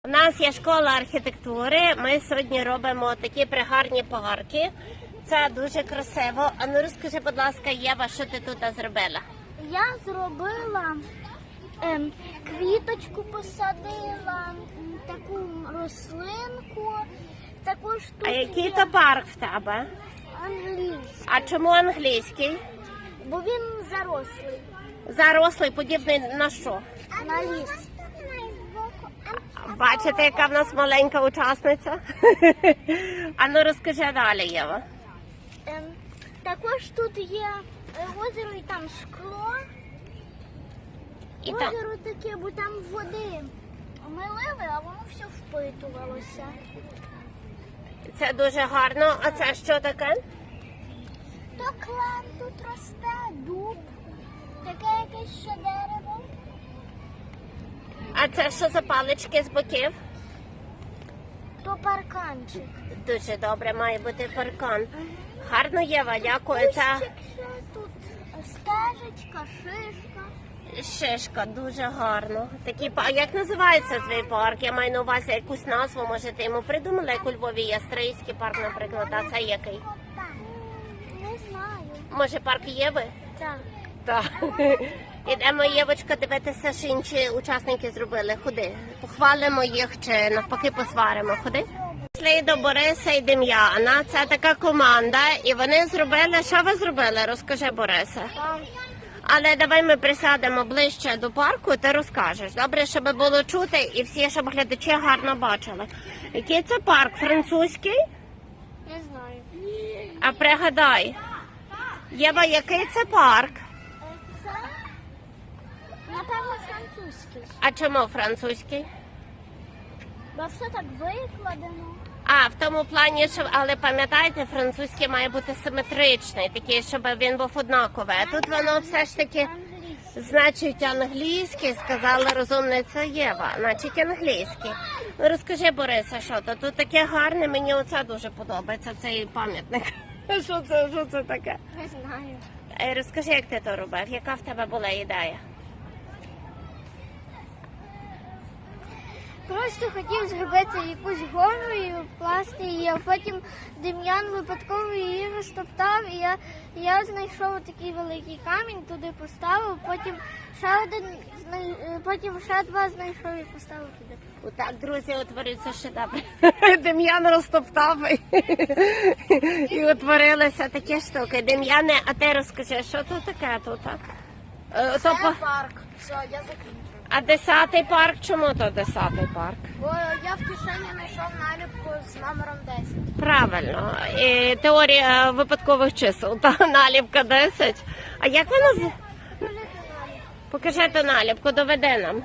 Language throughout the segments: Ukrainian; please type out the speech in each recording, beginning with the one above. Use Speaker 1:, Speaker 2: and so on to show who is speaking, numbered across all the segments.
Speaker 1: У нас є школа архітектури, ми сьогодні робимо такі пригарні парки. Це дуже красиво. А ну розкажи, будь ласка, Єва, що ти тут зробила?
Speaker 2: Я зробила квіточку, посадила, таку рослинку, також тут
Speaker 1: А який
Speaker 2: є
Speaker 1: то парк в тебе?
Speaker 2: англійський,
Speaker 1: А чому англійський?
Speaker 2: бо він зарослий
Speaker 1: Зарослий, подібний на що?
Speaker 2: на ліс.
Speaker 1: Бачите, яка в нас маленька учасниця? А ну розкажи далі, Єва.
Speaker 2: Також тут є озеро і там скло.
Speaker 1: І там...
Speaker 2: Озеро таке, бо там води ми лили, а воно все впитувалося.
Speaker 1: Це дуже гарно. А це що таке?
Speaker 2: То клен тут росте, дуб, таке якесь ще дерево.
Speaker 1: А це що за палички з боків?
Speaker 2: То парканчик.
Speaker 1: Дуже добре, має бути паркан. Гарно, Єва, дякую. Це
Speaker 2: Кущик ще тут, стежечка, шишка.
Speaker 1: шишка, дуже гарно. Такі, а як називається твій парк? Я маю на увазі якусь назву, може ти йому придумала, як у Львові є Стрийський парк, наприклад, а це який?
Speaker 2: Не знаю.
Speaker 1: Може парк Єви?
Speaker 2: Так.
Speaker 1: Так. Ідемо, Євочка, дивитися, що інші учасники зробили. Ходи. Похвалимо їх чи навпаки посваримо. Ходи. Пішли до Бориса і Дем'яна. Це така команда. І вони зробили... Що ви зробили? Розкажи, Борисе. Але давай ми присядемо ближче до парку, ти розкажеш. Добре, щоб було чути і всі, щоб глядачі гарно бачили. Який це парк? Французький?
Speaker 2: Не знаю.
Speaker 1: А пригадай. Єва, який це парк?
Speaker 2: Це, напевно, французький.
Speaker 1: А чому французький?
Speaker 2: Бо все так викладено.
Speaker 1: А, в тому плані, що, але пам'ятаєте, французький має бути симетричний, такий, щоб він був однаковий. А тут воно все ж таки,
Speaker 2: Англійський.
Speaker 1: значить, англійський, сказала розумниця Єва, значить англійський. Ну розкажи, Бориса, що то? Тут таке гарне, мені оце дуже подобається, цей пам'ятник. Що це таке?
Speaker 2: Не знаю.
Speaker 1: Розкажи, як ти то робив, яка в тебе була ідея?
Speaker 2: Просто хотів зробити якусь гору і вкласти її, а потім Дем'ян випадково її розтоптав, і я знайшов такий великий камінь, туди поставив, потім ще два знайшов і поставив туди.
Speaker 1: Отак, друзі, утворився шедевр. Дем'ян розтоптав і утворилися такі штуки. Дем'яне, а ти розкажи, що тут таке тут?
Speaker 2: Парк. Все, я закінчив.
Speaker 1: А 10-й парк? Чому то 10-й парк?
Speaker 2: Бо я в кишені знайшов наліпку з номером 10.
Speaker 1: Правильно. І теорія випадкових чисел. Та наліпка 10. А як вона? Покажи ту наліпку, доведи нам.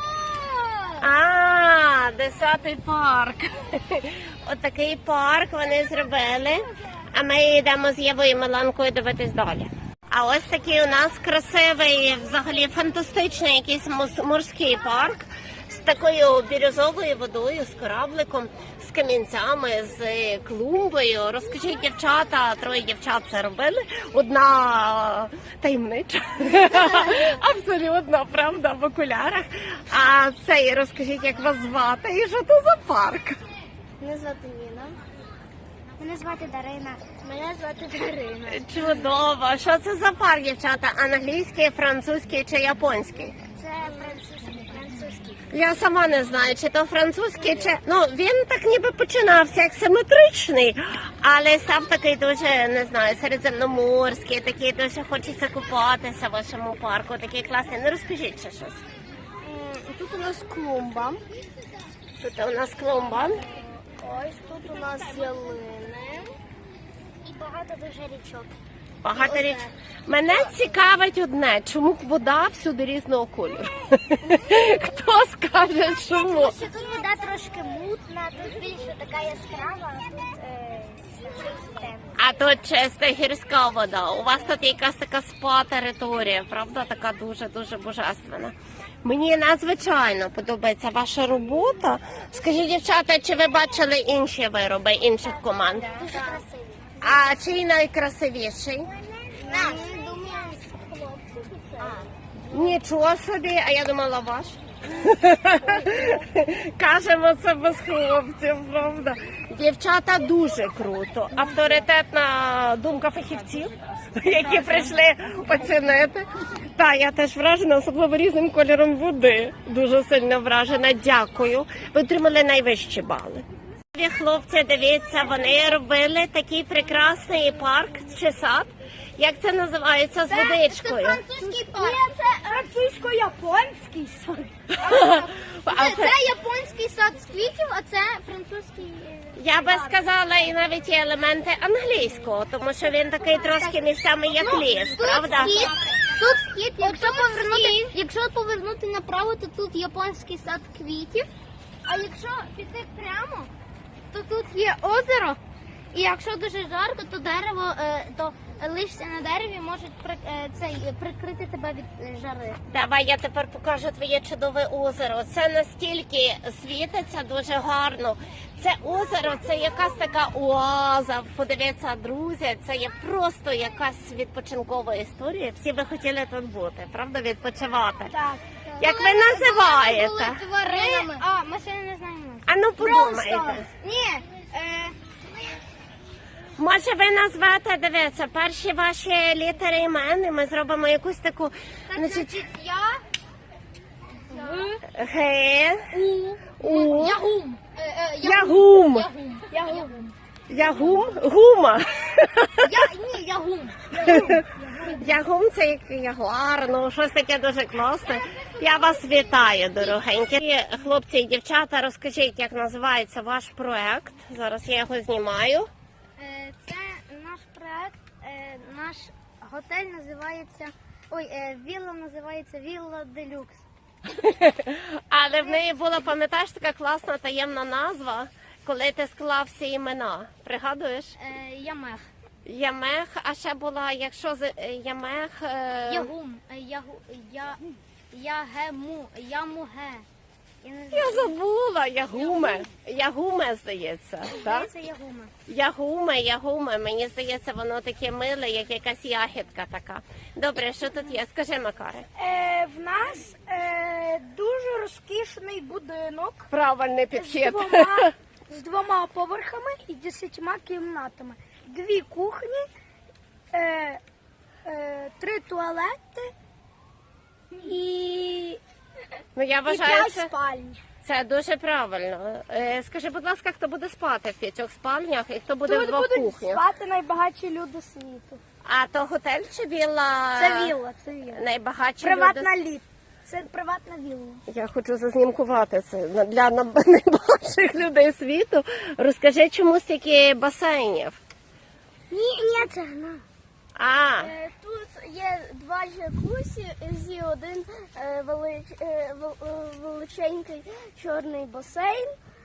Speaker 1: А, 10-й парк. Отакий парк вони зробили. А ми йдемо з Євою і Миланкою дивитись далі. А ось такий у нас красивий, взагалі фантастичний якийсь морський парк з такою бірюзовою водою, з корабликом, з камінцями, з клумбою. Розкажіть, дівчата, троє дівчат це робили. Одна таємнича, абсолютно, правда, в окулярах. А цей, розкажіть, як вас звати і що це за парк?
Speaker 2: Мене звати Ніна. Мене звати Дарина. Мене звати Дарина.
Speaker 1: Чудово. Що це за парк, дівчата? Англійський, французький чи японський?
Speaker 2: Це французький.
Speaker 1: Я сама не знаю, чи то французький, чи... Ну, він так ніби починався як симетричний, але став такий дуже, не знаю, середземноморський, такий дуже хочеться купатися в вашому парку, такий класний. Ну, розкажіть ще щось.
Speaker 2: Тут у нас клумба.
Speaker 1: Тут у нас клумба.
Speaker 2: Ось тут у нас ялини. І багато дуже річок.
Speaker 1: Багато річ. Мене цікавить одне, чому вода всюди різного кольору? Хто скаже, чому?
Speaker 2: Тому що тут вода трошки мутна, тут більше така яскрава, а тут чиста.
Speaker 1: А тут чиста гірська вода. У вас тут якась така спа-територія, правда? Така дуже-дуже божественна. Мені надзвичайно подобається ваша робота. Скажіть, дівчата, чи ви бачили інші вироби інших команд?
Speaker 2: Дуже красиві.
Speaker 1: А чий найкрасивіший?
Speaker 2: Наш. Думаю, хлопці це.
Speaker 1: Нічого собі, а я думала ваш. Кажемо це без хлопців, правда. Дівчата дуже круто. Авторитетна думка фахівців, які прийшли оцінити. Та, я теж вражена, особливо різним кольором води. Дуже сильно вражена. Дякую. Ви отримали найвищі бали. Хлопці, дивіться, вони робили такий прекрасний парк чи сад. Як це називається? З водичкою.
Speaker 2: Це французький парк. Ні, це французько-японський сад. Це японський сад з квітів, а це французький.
Speaker 1: Я би сказала, і навіть є елементи англійського, тому що він такий трошки місцями як ліс, правда?
Speaker 2: Тут схід, якщо повернути направо, то тут японський сад квітів. А якщо піти прямо, то тут є озеро. І якщо дуже жарко, то дерево, то листя на дереві можуть прикрити тебе від жари.
Speaker 1: Давай я тепер покажу твоє чудове озеро. Це настільки світиться дуже гарно. Це озеро, це якась така оаза. Подивіться, друзі, це є просто якась відпочинкова історія. Всі би хотіли тут бути, правда, відпочивати.
Speaker 2: Так.
Speaker 1: Як ви називаєте?
Speaker 2: Тваринами. Ми ще не знаємо.
Speaker 1: А ну подумайте.
Speaker 2: Ні.
Speaker 1: Може ви назвете, дивіться, перші ваші літери імен, і ми зробимо якусь таку, значить,
Speaker 2: Я.
Speaker 1: Г, У,
Speaker 2: Ягум.
Speaker 1: Ягум,
Speaker 2: Ягум.
Speaker 1: Ягум, Гума.
Speaker 2: Ні, Ягум.
Speaker 1: Ягум це як ягуар, ну щось таке дуже класне. Я вас вітаю, дорогенькі. І, хлопці і дівчата, розкажіть, як називається ваш проект. Зараз я його знімаю.
Speaker 2: Це наш проект, наш готель називається, вілла називається Вілла Делюкс.
Speaker 1: Але в неї була, пам'ятаєш, така класна таємна назва, коли ти склав всі імена. Пригадуєш?
Speaker 2: Ямех.
Speaker 1: Ямех, а ще була, якщо з Ямех...
Speaker 2: Ягум. Ягему. Ямуге.
Speaker 1: Я забула, Ягуме. Ягуме, здається. Так?
Speaker 2: Це Ягуме.
Speaker 1: Ягуме. Мені здається, воно таке миле, як якась ягідка така. Добре, що тут є? Скажи, Макаре.
Speaker 3: В нас дуже розкішний будинок
Speaker 1: Правильний підхід.
Speaker 3: з двома поверхами і 10 кімнатами. 2 кухні, 3 туалети і
Speaker 1: Ну, я
Speaker 3: 5
Speaker 1: вважаю,
Speaker 3: спальні.
Speaker 1: це дуже правильно. Скажи, будь ласка, хто буде спати в 5 спальнях і хто буде в
Speaker 3: Тут
Speaker 1: 2
Speaker 3: будуть
Speaker 1: кухнях?
Speaker 3: спати найбагатші люди світу.
Speaker 1: А то готель чи вілла?
Speaker 3: Це вілла, це вілла.
Speaker 1: Найбагатші
Speaker 3: Приватна
Speaker 1: люди?
Speaker 3: літ. Це приватна вілла.
Speaker 1: Я хочу зазнімкувати це для найбагатших людей світу. Розкажи, чому стільки басейнів?
Speaker 3: Ні, це гна.
Speaker 1: А,
Speaker 3: Тут є 2 джакузі, один величенький чорний басейн.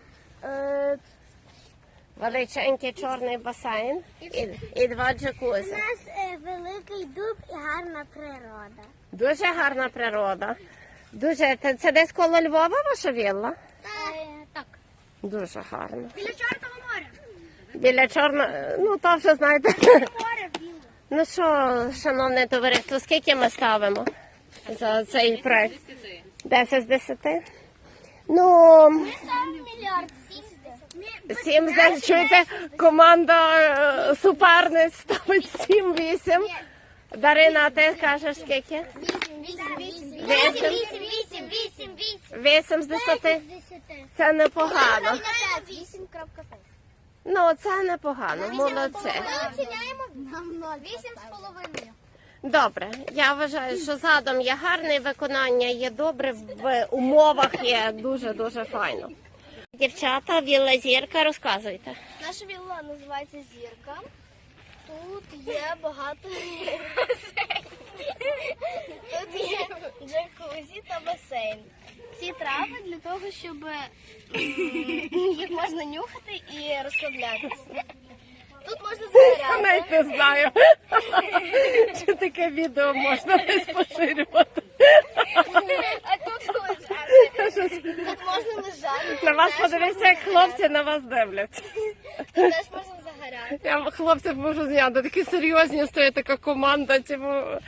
Speaker 1: величенький чорний басейн і 2 джакузі.
Speaker 2: У нас великий дуб і гарна природа.
Speaker 1: Дуже гарна природа. Дуже, це десь коло Львова ваша вілла?
Speaker 2: Так.
Speaker 1: Дуже гарно.
Speaker 3: Біля Чорного моря.
Speaker 1: Біля Чорного, ну то вже знаєте.
Speaker 3: Море вілла.
Speaker 1: Ну що, шановне товариство, скільки ми ставимо за цей проект? 10 з 10? Ну,
Speaker 2: Мільярд.
Speaker 1: 7 з 10. Чуєте, команда суперниць ставить 7-8. Дарина, ти кажеш скільки? 8 з 10? Це непогано.
Speaker 2: 8.5.
Speaker 1: Ну, це непогано, молодці.
Speaker 2: Оціняємо 8,5.
Speaker 1: Добре, я вважаю, що задум є гарний, виконання є добре, в умовах є дуже-дуже файно. Дівчата, вілла Зірка, розказуйте.
Speaker 2: Наша вілла називається Зірка. Тут є багато Тут є джакузі та басейн. Ці трави для того, щоб їх можна нюхати і розслаблятися. Тут можна
Speaker 1: Я
Speaker 2: загоряти.
Speaker 1: навіть не знаю, чи таке відео можна десь поширювати.
Speaker 2: А тут лежати. Тут можна лежати.
Speaker 1: На вас подивіться, як хлопці на вас дивляться.
Speaker 2: Тут теж можна загоряти.
Speaker 1: Я хлопців можу зняти, такі серйозні стоїть така команда,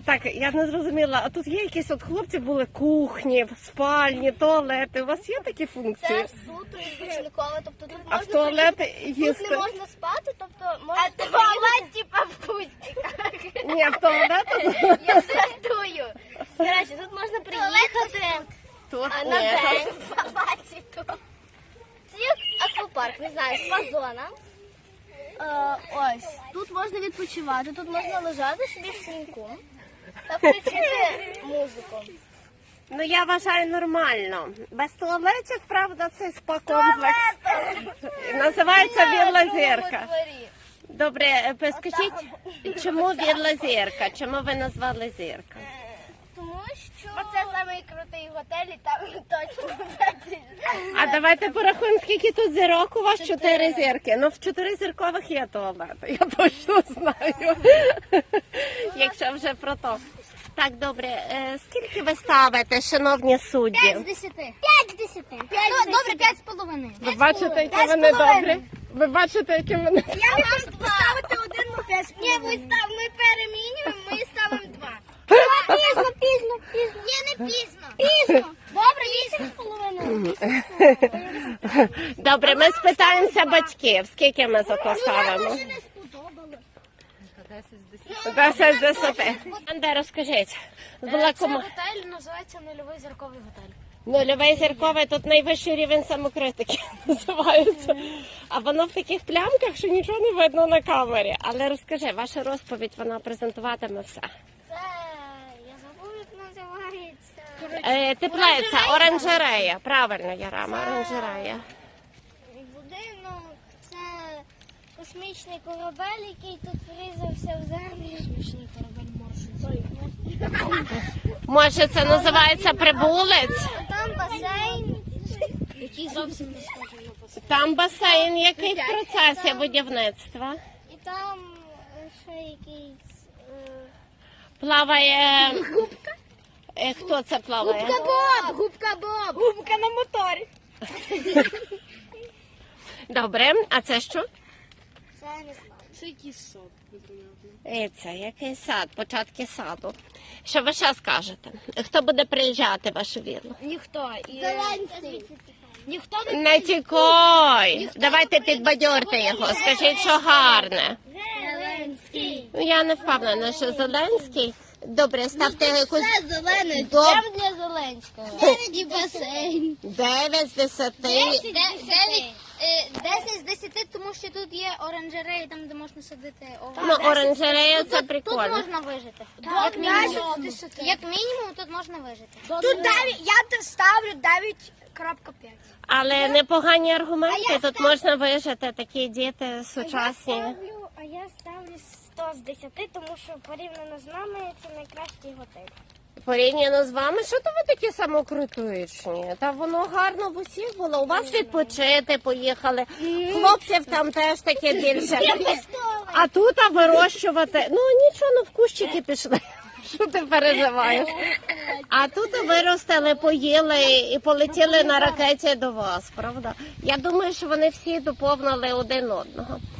Speaker 1: Так, я не зрозуміла, а тут є якісь от хлопці були кухні, спальні, туалети. У вас є такі функції?
Speaker 2: Це суто відпочинкове, тобто тут
Speaker 1: А в
Speaker 2: можна
Speaker 1: туалети
Speaker 2: тут
Speaker 1: їсти?
Speaker 2: не можна спати, тобто можна туалет, типа в кустиках.
Speaker 1: Ні, в туалети?
Speaker 2: Я жартую. Коротше, тут можна приїхати
Speaker 1: Тут
Speaker 2: на
Speaker 1: ні.
Speaker 2: день побачити. Це як аквапарк, не знаю, спа-зона. Ось, тут можна відпочивати, тут можна лежати собі в сінку та включити музику.
Speaker 1: Ну я вважаю нормально. Без туалетів, правда, цей спа-комплекс. Називається Вілла Зірка. Добре, скажіть, чому Вілла Зірка? Чому ви назвали Зірка?
Speaker 2: Тому що це самий крутий готель і там точно.
Speaker 1: А давайте порахуємо, скільки тут зірок у вас? 4 зірки. Ну в 4 зіркових є туалети, я точно знаю. Якщо вже про то. Так, добре, скільки ви ставите, шановні судді?
Speaker 2: 5 з 10. 5 з 10. Ну, добре, 5,5.
Speaker 1: Ви бачите, які вони добрі? Ви бачите, які вони...
Speaker 2: Я можу поставити 1 на 5. Ні, ми перемінюємо, ми ставимо 2. Пізно. Ні, не пізно. Пізно. Добре, 8,5.
Speaker 1: Добре, ми спитаємося батьків, скільки ми за то ставимо.
Speaker 2: Мені не сподобалось.
Speaker 1: 10 з 10. Анде, розкажіть. Була кома...
Speaker 2: Готель називається Нульовий зірковий готель.
Speaker 1: Нульовий зірковий, тут найвищий рівень самокритики називається. А воно в таких плямках, що нічого не видно на камері. Але розкажи, ваша розповідь, вона презентуватиме все.
Speaker 2: Це, я забув, як називається.
Speaker 1: Теплиця, оранжерея. Правильно, Ярама, оранжерея.
Speaker 2: Будинок, це космічний корабель, який тут врізався в землю. Космічний корабель
Speaker 1: Може, це називається Прибулець?
Speaker 2: Там басейн, який зовсім не схожий на басейн.
Speaker 1: Там басейн, який в процесі будівництва.
Speaker 2: І там ще якийсь...
Speaker 1: Плаває... Хто це плаває?
Speaker 2: Губка Боб! Губка на моторі.
Speaker 1: Добре, а це що?
Speaker 2: Це не знаю. Це якийсь сад.
Speaker 1: І це який сад, початки саду. Що ви ще скажете? Хто буде приїжджати в вашу віллу?
Speaker 2: Ніхто. Зеленський. Ніхто
Speaker 1: Не тікай! Давайте підбадьорте його, скажіть, що гарне.
Speaker 2: Зеленський.
Speaker 1: Ну, я не впевнена, що Зеленський. Добре, ставте якусь...
Speaker 2: Це зелений.
Speaker 1: Доб-
Speaker 2: Там для Зеленського. І басейн.
Speaker 1: 9 з 10.
Speaker 2: 10 з 10, тому що тут є оранжереї, там де можна садити овочі.
Speaker 1: Ну, оранжерея це
Speaker 2: Тут
Speaker 1: прикольно.
Speaker 2: можна вижити. Як мінімум. Як мінімум тут можна вижити.
Speaker 3: Тут 9, я ставлю 9,5.
Speaker 1: Але непогані аргументи, тут можна вижити, такі діти сучасні.
Speaker 2: А я ставлю 100 з 10, тому що порівняно з нами це найкращий готель.
Speaker 1: Порівняно з вами, що то ви такі самокритичні? Та воно гарно в усіх було. У вас відпочити поїхали. Хлопців там теж таке більше. А тут вирощувати. Ну нічого, ну в кущики пішли. Що ти переживаєш? А тут виростили, поїли і полетіли на ракеті до вас, правда? Я думаю, що вони всі доповнили один одного.